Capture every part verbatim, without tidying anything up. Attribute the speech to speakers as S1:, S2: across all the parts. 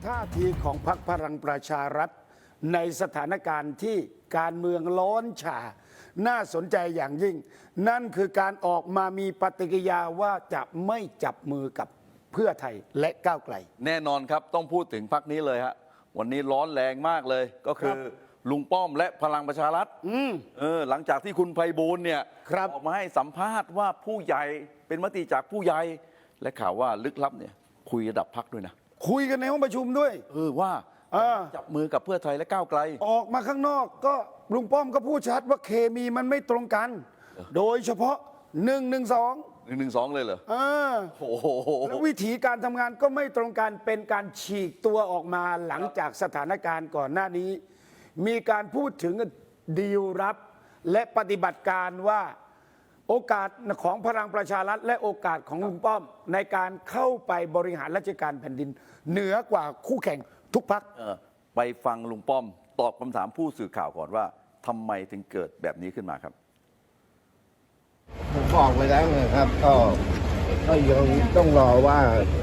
S1: ท่าทีของพรรคพลังประชารัฐในสถานการณ์ที่การเมืองร้อนฉ่าน่าสนใจอย่างยิ่งนั่นคือการออกมามีปฏิกิริยาว่าจะไม่จับมือกับเพื่อไทยและก้าวไกล
S2: แน่นอนครับต้องพูดถึงพรรคนี้เลยฮะวันนี้ร้อนแรงมากเลยก็คือลุงป้อมและพลังประชารัฐเออหลังจากที่คุณไพบูลย์เนี่ยออกมาให้สัมภาษณ์ว่าผู้ใหญ่เป็นมติจากผู้ใหญ่และข่าวว่าลึกลับเนี่ยคุยระดับพรรคด้วยนะ
S1: คุยกันในห้องประชุมด้วย
S2: เออว่าจับมือกับเพื่อไทยและก้าวไกล
S1: ออกมาข้างนอกก็ลุงป้อมก็พูดชัดว่าเคมีมันไม่ตรงกันโดยเฉพาะหนึ่งหนึ่งสอง
S2: หนึ่งหนึ่งสองเลยเหรอ
S1: โอ้โหแล้ววิธีการทำงานก็ไม่ตรงกันเป็นการฉีกตัวออกมาหลังจากสถานการณ์ก่อนหน้านี้มีการพูดถึงดีลรับและปฏิบัติการว่าโอกาสของพลังประชารัฐและโอกาสของลุงป้อมในการเข้าไปบริหารราชการแผ่นดินเหนือกว่าคู่แข่งทุกพรรค
S2: ไปฟังลุงป้อมตอบคำถามผู้สื่อข่าวก่อนว่าทำไมถึงเกิดแบบนี้ขึ้นมาครับ
S3: ผมบอกไปแล้วนะครับก็ก็ยังต้องรอว่า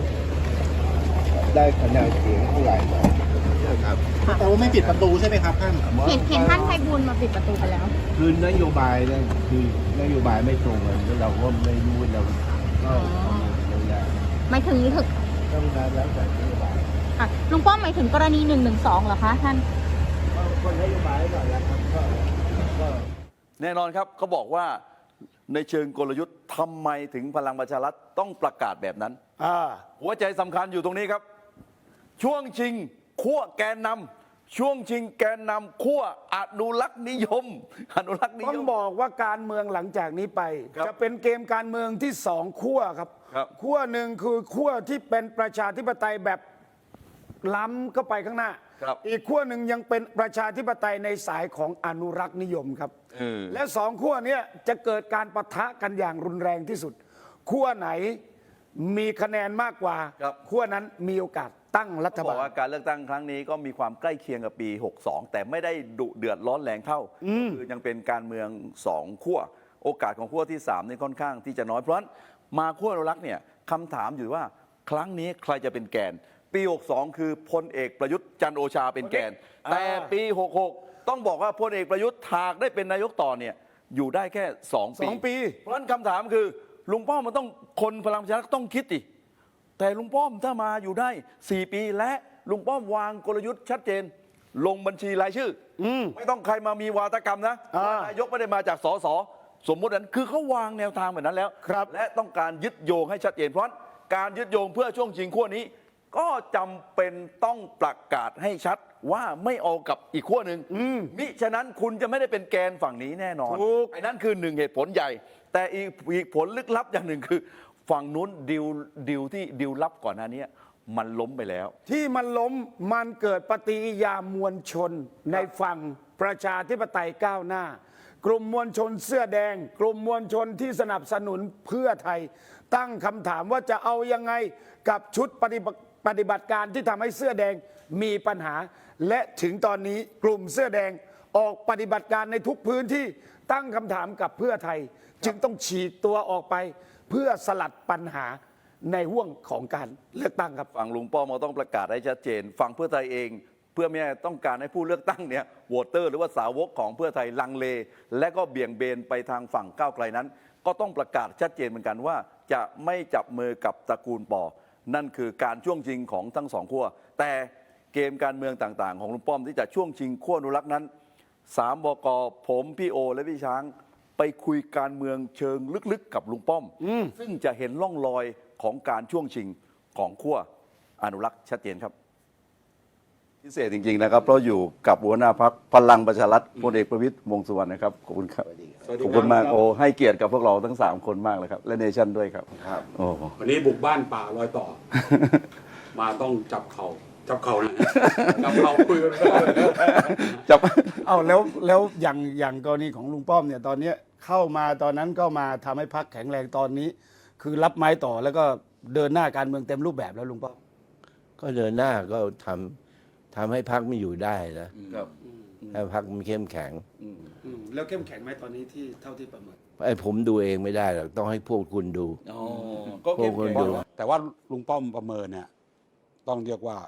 S3: ได้คะแนนเสียงเท่าไหร่นะครับ
S4: แต่ว่าไม่ปิดประตูใช่ไหมครับท่าน
S5: เห็นเห็นท่านไพบูลย์มาปิดประตูไปแล้ว
S3: คือนโยบายเนี่ยคือนโยบายไม่ตรงกันแล้วเราก็ไม่รู้เราก็
S5: ไม่ถึงถึง
S3: ต้องการแล้วแต่นโยบาย
S5: ค่ะลุงป้อมหมายถึงกรณีหนึ่งหนึ่งสองเหรอคะท่าน
S3: ก็นโยบายก่อนแล้วครับก็
S2: แน่นอนครับเขาบอกว่าในเชิงกลยุทธ์ทำไมถึงพลังประชารัฐต้องประกาศแบบนั้นหัวใจสำคัญอยู่ตรงนี้ครับช่วงชิงขั้วแกนนำช่วงชิงแกนนำขั้วอนุรักษ์นิยมอนุรักษ์นิยม
S1: ต้องบอกว่าการเมืองหลังจากนี้ไปจะเป็นเกมการเมืองที่สองขั้วครับขั้วหนึ่งคือขั้วที่เป็นประชาธิปไตยแบบล้ำเข้าไปข้างหน้าอีกขั้วหนึ่งยังเป็นประชาธิปไตยในสายของอนุรักษ์นิยมครับและสองขั้วนี้จะเกิดการปะทะกันอย่างรุนแรงที่สุดขั้วไหนมีคะแนนมากกว่าขั้วนั้นมีโอกาสตั้งรัฐบาลบอก
S2: ว่าการเลือกตั้งครั้งนี้ก็มีความใกล้เคียงกับปีหกสองแต่ไม่ได้ดุเดือดร้อนแรงเท่าคือยังเป็นการเมืองสองขั้วโอกาสของขั้วที่สามนี่ค่อนข้างที่จะน้อยเพราะฉะนั้นมาขั้วอนุรักษ์เนี่ยคำถามอยู่ว่าครั้งนี้ใครจะเป็นแกนปีหกสองคือพลเอกประยุทธ์จันทร์โอชาเป็นแกนแต่ปีหกหกต้องบอกว่าพลเอกประยุทธ์หากได้เป็นนายกต่อเนี่ยอยู่ได้แค่สองปีเพราะฉะนั้นคำถามคือลุงป้อมมันต้องคนพลังประชารัฐต้องคิดดิแต่ลุงป้อมถ้ามาอยู่ได้สี่ปีและลุงป้อมวางกลยุทธ์ชัดเจนลงบัญชีรายชื่อไม่ต้องใครมามีวาทกรรมนะนายกไม่ได้มาจากสสสมมตินั้นคือเขาวางแนวทางแบบนั้นแล้วและต้องการยึดโยงให้ชัดเจนเพราะการยึดโยงเพื่อช่วงชิงขั้วนี้ก็จำเป็นต้องประกาศให้ชัดว่าไม่เอากับอีกขั้วหนึ่งมิฉะนั้นคุณจะไม่ได้เป็นแกนฝั่งนี้แน่นอนไอ้นั่นคือหนึ่งเหตุผลใหญ่แต่อีกอีกผลลึกลับอย่างหนึ่งคือฝั่งนู้นดิวดิวที่ดิวลับก่อนหน้านี้มันล้มไปแล้ว
S1: ที่มันล้มมันเกิดปฏิกิริยามวลชนในฝั่งประชาธิปไตยก้าวหน้ากลุ่มมวลชนเสื้อแดงกลุ่มมวลชนที่สนับสนุนเพื่อไทยตั้งคำถามว่าจะเอายังไงกับชุดปฏิบัติปฏิบัติการที่ทำให้เสื้อแดงมีปัญหาและถึงตอนนี้กลุ่มเสื้อแดงออกปฏิบัติการในทุกพื้นที่ตั้งคำถามกับเพื่อไทยจึงต้องฉีกตัวออกไปเพื่อสลัดปัญหาในห่วงของการเลือกตั้งครับ
S2: ฝั่งลุงป้อมต้องประกาศให้ชัดเจนฝั่งเพื่อไทยเองเพื่อไม่ต้องการให้ผู้เลือกตั้งเนี่ยโหวตเตอร์หรือว่าสาวกของเพื่อไทยลังเลและก็เบี่ยงเบนไปทางฝั่งก้าวไกลนั้นก็ต้องประกาศชัดเจนเหมือนกันว่าจะไม่จับมือกับตระกูลปอนั่นคือการช่วงชิงของทั้งสองขั้วแต่เกมการเมืองต่างๆของลุงป้อมที่จะช่วงชิงขั้วอนุรักษ์นั้นสามบก.ผมพี่โอและพี่ช้างไปคุยการเมืองเชิงลึกๆกับลุงป้อมซึ่งจะเห็นร่องรอยของการช่วงชิงของขั้วอนุรักษ์ชัดเจนครับพิเศษจริงๆนะครับเพราะอยู่กับหัวหน้าพรรคพลังประชารัฐพลเอกประวิตรวงษ์สุวรรณนะครับขอบคุณครับขอบคุณมากโอให้เกียรติกับพวกเราทั้งสามคนมากเลยครับและเนชั่นด้วยครับ
S6: โอ้วันนี้บุกบ้านป่ารอยต่อมาต้องจับเขาจับเขานะจับเขาคุยกัน
S1: จับเอาแล้วแล้วอย่างอย่างกรณีของลุงป้อมเนี่ยตอนนี้เข้ามาตอนนั้นก็มาทำให้พรรคแข็งแรงตอนนี้คือรับไม้ต่อแล้วก็เดินหน้าการเมืองเต็มรูปแบบแล้วลุงป้อม
S3: ก็เดินหน้าก็ทำทำให้พรรคไม่อยู่ได้นะครับให้พรรคมันเข้มแข็ง
S1: แล้วเข้มแข็งไหมตอนนี้ที่เท่าที่ประเมิน
S3: ไอ้ผมดูเองไม่ได้หรอกต้องให้พวกคุณดู
S6: ก็เข้มแข็งแต่ว่าลุงป้อมประเมินเนี่ยต้องเรียกว่า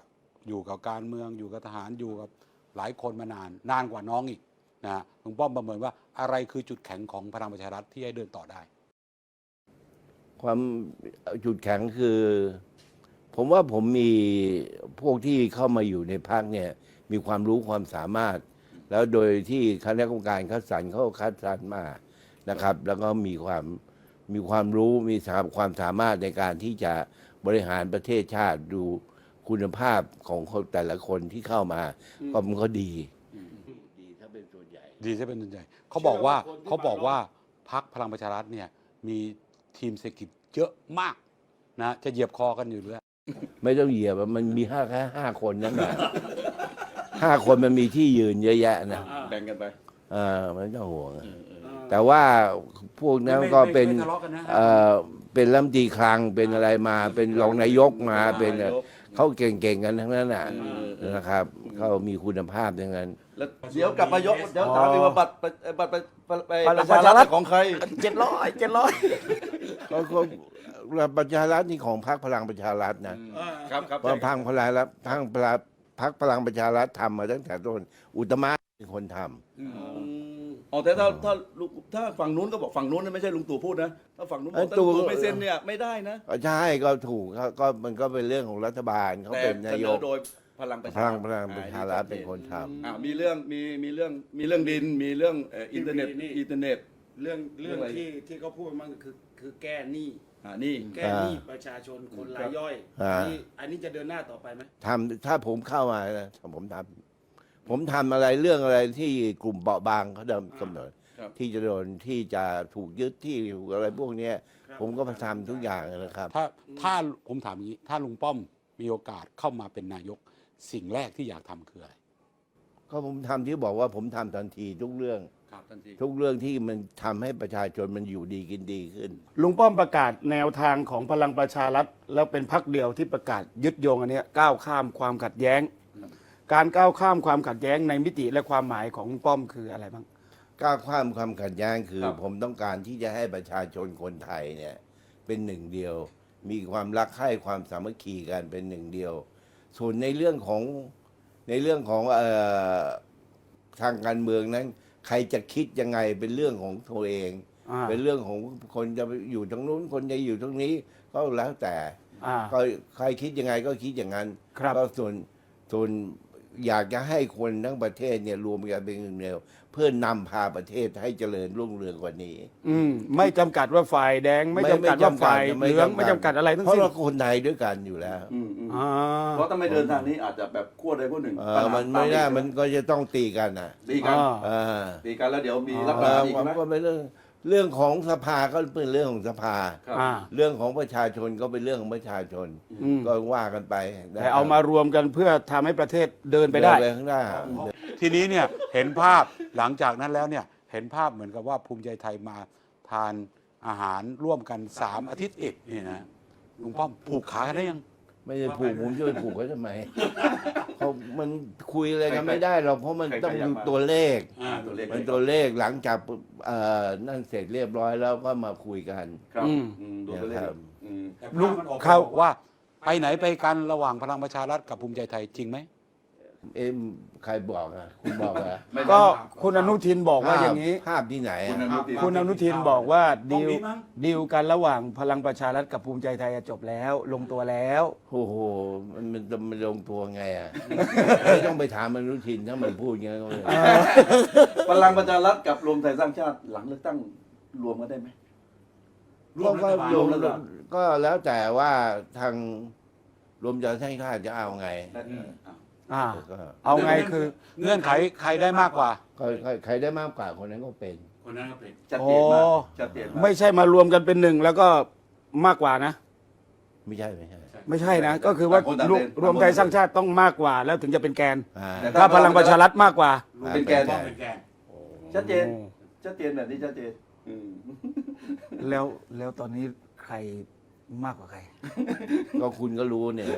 S6: อยู่กับการเมืองอยู่กับทหารอยู่กับหลายคนมานานนานกว่าน้องอีกนะฮะลุงป้อมประเมินว่าอะไรคือจุดแข็งของพลังประชารัฐที่ให้เดินต่อได้
S3: ความจุดแข็งคือ ผมว่าผมมีพวกที่เข้ามาอยู่ในพรรคเนี่ยมีความรู้ความสามารถ แล้วโดยที่คณะกรรมการคัดสรรเขาคัดสรรมานะครับ แล้วก็มีความมีความรู้มีความสามารถในการที่จะบริหารประเทศชาติดูคุณภาพของคนแต่ละคนที่เข้ามาก็มันก็ดีดีถ้าเป็นส่วนใหญ่
S6: ดีจะเป็นส่วนใหญ่เขาบอกว่าเขาบอกว่าพรรคพลังประชารัฐเนี่ยมีทีมเศรษฐกิจเยอะมากนะจะเหยียบคอกันอยู่เรื่อย
S3: ไม่ต้องเหยียบอะมันมีห้าแค่ห้าคนนั่นแหละห้าคนมันมีที่ยืนเยอะแยะนะ
S2: แบ่งกันไป
S3: เออไม่ต้องห่วงอะแต่ว่าพวกนั้นก็เป็น
S6: ไม่ทะเลาะกันนะ
S3: เออเป็นรัฐมนตรีคลังเป็นอะไรมา เป็นรองนายกมาเป็นเขาเก่งๆกันทั้งนั้นน่ะนะครับเขามีคุณภาพทั้งนั้น
S2: แล้วเดี๋ยวกลับมายกเดี๋ยวถามอีกว่าบัตรบัตรบัตรบัตรไป
S3: บัตร
S2: ประชารัฐของใคร
S3: เจ็ดร้อยเจ็ดร้อยเขาเขาประชารัฐนี่ของพรรคพลังประชารัฐนะครับ
S2: ครับ
S3: เพราะพรรคพลังรัฐทางพลังพรรคพลังประชารัฐทำมาตั้งแต่ต้นอุตตมะเป็นคนทำ
S2: อ๋อแต่ถ้าถ้าลุงถ้าฝั่งนู้นก็บอกฝั่งนู้นนะไม่ใช่ลุงตู่พูดนะถ้าฝั่งนู้นบอก
S3: เอ้ย
S2: ถ้าลุง
S3: ตู่
S2: ตู่ไม่เซ็นเนี่ยไม่ได้นะ
S3: ก็ใช่ก็ถูกก็ก็มันก็เป็นเรื่องของรัฐบาลเขา
S2: แต่
S3: เป็น
S2: เส
S3: นาน ย
S2: อก โดยพลังประ
S3: พ
S2: ชา
S3: ลั
S2: รั
S3: ง
S2: ฐ
S3: พลังประชารัฐเป็นคนทำ
S2: อ่ามีเรื่องมีมีเรื่องมีเรื่องดินมีเรื่องเอ่ออินเทอร์เน็ต
S1: นี่
S2: อินเทอร์เน็ต
S1: เรื่องเรื่อง
S2: เรื่องอะไร
S1: ที่ที่เขาพูดมันคือคือแก้หนี้
S2: อ่านี่
S1: แก้หนี้ประชาชนคนรายย่อย
S3: อ่า
S1: นี่อันนี้จะเดินหน้าต่อไปไหม
S3: ทำถ้าผมเข้ามานะผมทำผมทำอะไรเรื่องอะไรที่กลุ่มเปราะบางเขาเดิมกำหนด
S2: ครับ
S3: ที่จะโดนที่จะถูกยึดที่ถูกอะไรพวกเนี้ยผมก็ทำทุกอย่างนะครับ
S6: ถ้าถ้าผมถามอย่างนี้ ถ้าลุงป้อมมีโอกาสเข้ามาเป็นนายกสิ่งแรกที่อยากทำคืออะไร
S3: ก็ผมทำที่บอกว่าผมทำทันทีทุกเรื่อง
S2: ครับทันที
S3: ทุกเรื่องที่มันทำให้ประชาชนมันอยู่ดีกินดีขึ้น
S1: ลุงป้อมประกาศแนวทางของพลังประชารัฐแล้วเป็นพรรคเดียวที่ประกาศยึดโยงอันเนี้ยก้าวข้ามความขัดแย้ง การก้าวข้ามความขัดแย้งในมิติและความหมายของลุงป้อมคืออะไรบ้าง
S3: ก้าวข้ามความขัดแย้งคือ
S2: ครับ
S3: ผมต้องการที่จะให้ประชาชนคนไทยเนี่ยเป็นหนึ่งเดียว มีความรักใคร่ความสามัคคีกันเป็นหนึ่งเดียว ส่วนในเรื่องของในเรื่องของเออทางการเมืองนั้น ใครจะคิดยังไงเป็นเรื่องของตัวเอง
S1: อ่า
S3: เป็นเรื่องของคนจะไปอยู่ตรงนู้นคนจะอยู่ตรงนี้ก็แล้วแต่
S1: อ่า
S3: ก็ใครคิดยังไงก็คิดอย่างนั้น
S1: ครับ
S3: ก็ส่วนส่วนอยากจะให้คนทั้งประเทศเนี่ยรวมกันเป็นหนึ่งเดียวเพื่อนำพาประเทศให้เจริญรุ่งเรืองกว่านี้
S1: อืมไม่จำกัดว่าฝ่ายแดง ไม่จำกัดว่าฝ่ายเหลืองไม่จำกัดอะไรทั้ง
S3: เพราะ
S1: สิ้น
S3: เราคนไทยด้วยกันอยู่แล้ว
S2: อืมอืม
S1: อ่า
S2: เพราะถ้าไม่เดินทางนี้อาจจะแบบขั้วใดขั้วหนึ่ง
S3: เอ
S2: ปัญ
S3: อ
S2: หา
S3: มันไม่ได้
S2: ตา
S3: มันก็จะต้องตีกันนะ
S2: ตีกัน
S1: อ่า
S3: เออ
S2: ตีกันแล้วเดี๋ยวมีรัฐ
S3: เอ
S2: ประหาร
S3: อ
S2: อีก
S3: มัน
S2: ไหม
S3: ก็เป็นเรื่องเรื่องของสภาก็เป็นเรื่องของสภา
S2: ครับ
S1: อ่า
S3: เรื่องของประชาชนก็เป็นเรื่องของประชาชน
S1: อืม
S3: ก็ว่ากันไป
S1: แต่เอามารวมกันเพื่อทำให้ประเทศเดินไปได้
S3: เนข้างหน้า
S6: ทีนี้เนี่ยเห็นภาพหลังจากนั้นแล้วเนี่ยเห็นภาพเหมือนกับว่าภูมิใจไทยมาทานอาหารร่วมกันสามอาทิตย์เอกนี่นะลุงป้อมผูกขากันได้ยัง
S3: ไม่ได้ผูกผมจะไปผูกไว้ทำไมเขามันคุยอะไรกันไม่ได้หรอกเพราะมันต้องดูตัวเลข
S2: อ่าตัวเลข
S3: มันตัวเลขหลังจากเอ่อนั่นเสร็จเรียบร้อยแล้วก็มาคุยกัน
S2: ครับ
S1: อืม
S2: อืมดูตัวเลข
S3: นะครับ
S2: อืม
S6: ลุงเขาบอกว่าไปไหนไปกันระหว่างพลังประชารัฐกับภูมิใจไทยจริงไหม
S3: เอ็มใครบอกอ่ะคุณบอกอ่ะ
S2: ไม่
S1: ก็คุณอนุทินบอกว่าอย่างนี้
S3: ภาพที่ไหน
S2: คุณอ
S3: อะ
S2: นุทิน
S1: คุณอนุทินบอกว่า
S6: ตรง
S1: ดีล
S6: นี้มั้ง
S1: ดีลกันระหว่างพลังประชารัฐกับภูมิใจไทยจบแล้ว ลงตัวแล้ว
S3: โอ้โหมันมันจะมันลงตัวไงอ่ะ ไม่ต้องไปถามอนุทินถ้ามันพูดอย่างนั้นก็ไม่ได้
S2: พลังประชารัฐกับรวมไทยสร้างชาติหลังเลือกตั้งรวมกันได้ไหม
S6: ร่วมรัฐบาล
S3: ก็
S2: รวมรัฐบาล
S3: ก็แล้วแต่ว่าทางรวมใจสร้างชาติจะเอาไง
S1: อ่า
S3: ก็
S1: เอาไงคือ
S6: เงื่อนไขใครได้มากกว่า
S3: ก็ใครใครได้มากกว่าคนนั้นก็เป็น
S6: คนนั้นก็เป็น
S2: ชัดเจนมาก
S1: โอ้
S2: ชัดเจนมาก
S1: ไม่ใช่มารวมกันเป็นหนึ่งแล้วก็มากกว่านะ
S3: ไม่ใช่ไม่ใช่
S1: ไม่ใช่นะ ก็คือว่า
S2: ต่างคนต่าง
S1: รวม
S2: เป็น
S1: รวมไทยสร้างชาติต้องมากกว่า แล้วถึงจะเป็นแกน
S3: อ่า
S2: แต่
S1: ถ้าพลังประชารัฐมากกว่า
S2: เป็นแกน
S3: อ่า
S6: เป็นแกน
S2: ชัดเจนชัดเจนแบบนี้ชัดเจนอืม
S1: แล้วแล้วตอนนี้ใครมากกว่าใคร
S3: ก็คุณก็รู้เนี่ย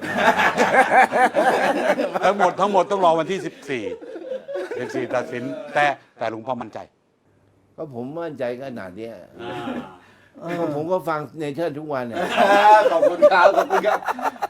S6: ทั้งหมดทั้งหมดต้องรอวันที่สิบสี่ สิบสี่ตัดสิน แต่แต่ลุงป้อมมั่นใจ
S3: ก็ผมมั่นใจขนาดเนี้ยก็ผมก็ฟังเนเธอร์ทุกวันเนี่ย
S2: ขอบคุณครับขอบคุณครับ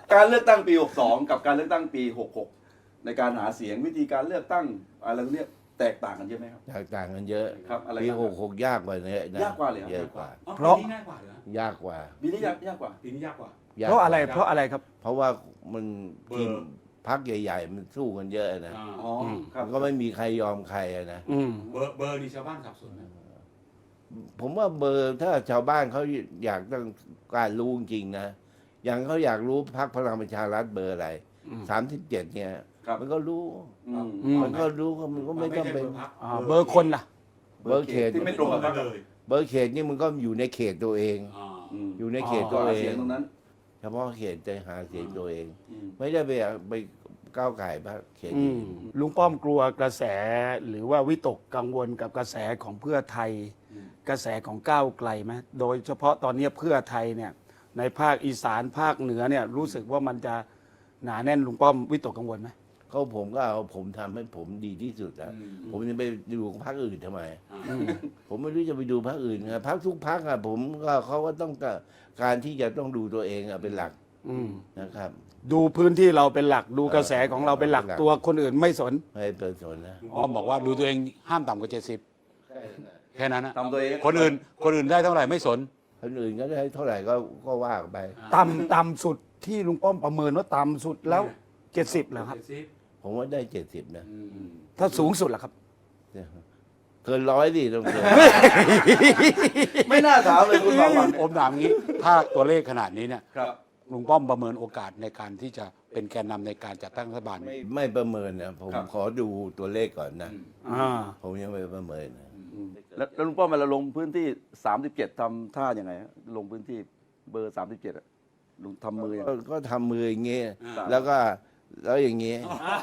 S2: การเลือกตั้งปี หกสอง กับการเลือกตั้งปี หกหก ในการหาเสียงวิธีการเลือกตั้งอะไรพวกเนี้ยแตกต่างกันเยอะไหมครับ
S3: แตกต่างกันเยอะ
S2: ครับอะไร
S3: ปี
S2: บ้าง
S3: หกหกยากกว่านี้นะ
S2: ยากกว่าเลยเหรอ
S3: เยอะกว่า
S6: อ๋อ
S1: เพราะ
S6: ปีนี้ง่ายกว่าเหรอย
S3: ากกว่า
S2: ปีนี้ยากยากกว่า
S6: ปีนี้ยากกว่า
S3: ยก
S1: เพราะอะไร
S3: กว่
S1: เพราะอะไรครับ
S3: เพราะว่ามัน
S6: เบอร์
S3: ทีมพักใหญ่ ๆ มันสู้กันเยอะนะ
S6: อ่า
S2: อ๋อครับ
S3: มันก็ไม่มีใครยอมใครอะนะ
S1: อืม
S6: เบอร์เบอร์นี่ชาวบ้านสับสนนะ
S3: ผมว่าเบอร์ถ้าชาวบ้านเขาอยากต้องการรู้จริงๆนะ อย่างเขาอยากรู้พักพลังประชารัฐเบอร์อะไรสามสิบเจ็ดเนี่ย
S2: ครับ
S3: มันก็รู้
S2: อืม
S1: อืม
S3: มันก็รู้ก็มันก็ไม่ต้องเป็น
S6: พรรค
S1: อ่าเบอร์คนล่ะ
S3: เบอร์เขต
S2: ที่ไม่ตรงกับพรรค
S6: เลย
S3: เบอร์เขตนี่มันก็อยู่ในเขตตัวเอง
S6: อ่า
S2: ม
S3: อยู่ในเขต
S2: ก็
S3: ตัว
S2: หา
S3: เอ
S2: เสีย
S3: ง
S2: งตรงนั้น
S3: เฉพาะเขตจะหาเสียงตัวเอง
S2: อืม
S3: ไม่ได้ไปไปก้าวไก่พรรคเขต
S1: อื
S3: อื่
S1: ม
S3: น
S1: ลุงป้อมกลัวกระแสหรือว่าวิตกกังวลกับกระแสของเพื่อไทย กระแสของก้าวไกลไหมโดยเฉพาะตอนนี้เพื่อไทยเนี่ยในภาคอีสานภาคเหนือเนี่ยรู้สึกว่ามันจะหนาแน่นลุงป้อมวิตกกังวลไหม
S3: เขาผมก็เอาผมทำให้ผมดีที่สุดแล้วผมจะไปดูพรรคอื่นทำไม ผมไม่รู้จะไปดูพรรคอื่นไงพรรคทุกพรรคอะผมก็เขาก็ต้องการการที่จะต้องดูตัวเองอะเป็นหลัก
S1: อืม
S3: นะครับ
S1: ดูพื้นที่เราเป็นหลักดูกระแสของเราเป็นหลัก
S3: เป็นหลัก
S1: ตัวคนอื่นไม่สน
S3: ไม่ให้เป็นสนนะ
S6: ลุงป้อมบอกว่าดูตัวเองห้ามต่ำกว่าเจ็ดสิบแค่นั้นนะ
S2: ทำตัวเอง
S6: คนอื่นคนอื่นได้เท่าไหร่ไม่สน
S3: คนอื่นก็ได้เท่าไหร่ก็ก็ว่าไป
S1: ต่ำต่ำสุดที่ลุงป้อมประเมินว่าต่ำสุดแล้วเจ็ดสิบเหรอครับ
S3: ผมว่าได้เจ็ดสิบนะ
S1: ถ้าสูงสุดล่ะครับ
S3: เกินร้อยดิต้องเกิน
S2: ไม่น่าถามเลยคุณบางวัน
S6: ผมถามงี้ ถ้าตัวเลขขนาดนี้เนี่ย
S2: ครับ
S6: ลุงป้อมประเมินโอกาสในการที่จะเป็นแกนนำในการจัดตั้งรัฐบาล
S3: ไม่ไม่ประเมินนะผม
S2: ครับ
S3: ขอดูตัวเลขก่อนนะ
S1: อ่า
S3: ผมยังไม่ประเมินนะ
S2: แล้วแล้วลุงป้อมเวลาลงพื้นที่ สามสิบเจ็ดทำท่ายังไงฮะลงพื้นที่เบอร์ สามสิบเจ็ดอะลุงทำมือยังไง
S3: ก็ก็ทำมืออย่างเงี้ย
S2: อ่า
S3: แล้วก็แล้วอย่างเงี้ย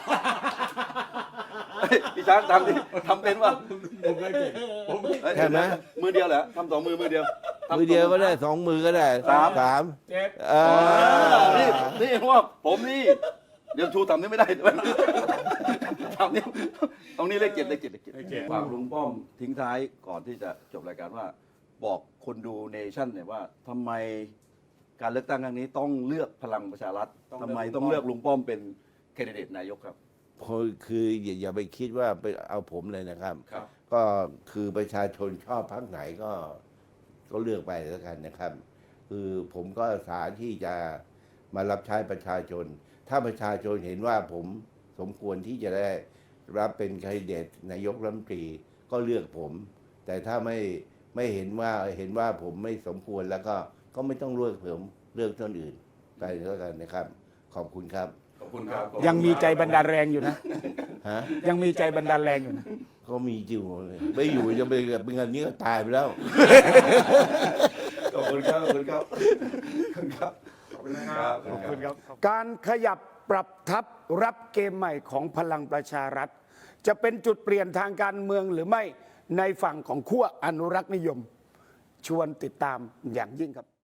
S2: เฮ้ยพี่ช้างทำดิทำเป็นป่ะ
S3: ใช่ไหม
S2: มือเดียวเหรอทำสองมือมือเดียวทำ
S3: มือเดียวก็ได้สองมือก็ได้
S2: สาม
S3: สามเอ
S2: อ่า
S3: อ
S2: นี่นี่ว่าผมนี่ เดี๋ยวชูทำนี่ไม่ได้ทำนี่ตรงนี้เลขเจ็ดเลขเจ็ดเลขเจ็ดฝากลุงป้อมทิ้งท้ายก่อนที่จะจบรายการว่า บอกคนดูเนชั่นเนี่ยว่าทำไมการเลือกตั้งครั้งนี้ต้องเลือกพลังประชารัฐทำไมต้องเลือกลุงป้อมเป็นแคนดิเดตนายกครับ
S3: คืออย่าอย่าไปคิดว่าไปเอาผมเลยนะครับ
S2: ครับ
S3: ก็คือประชาชนชอบพรรคไหนก็ก็เลือกไปแล้วกันนะครับ คือผมก็อาสาที่จะมารับใช้ประชาชน ถ้าประชาชนเห็นว่าผมสมควรที่จะได้รับเป็นแคนดิเดตนายกรัฐมนตรีก็เลือกผม แต่ถ้าไม่ไม่เห็นว่าเห็นว่าผมไม่สมควรแล้วก็ก็ไม่ต้องเลือกผมเลือกคนอื่นไปแล้วกันนะครับ ขอบคุณครับ
S2: ขอบคุณครับ
S1: ยังมีใจบันดาลแรงอยู่นะ
S3: ฮะ
S1: ยังมีใจบันดาลแรงอยู่นะ
S3: ก็มีอยู่ไม่อยู่จะไปเป็นเงินนี้ก็ตายไปแล้ว
S2: ขอบคุณครับ ขอบคุณครับ ขอบคุณครับ ขอบคุณครับ
S1: ขอบคุณครับ การขยับปรับทัพรับเกมใหม่ของพลังประชารัฐ จะเป็นจุดเปลี่ยนทางการเมืองหรือไม่ในฝั่งของขั้วอนุรักษ์นิยม ชวนติดตามอย่างยิ่งครับ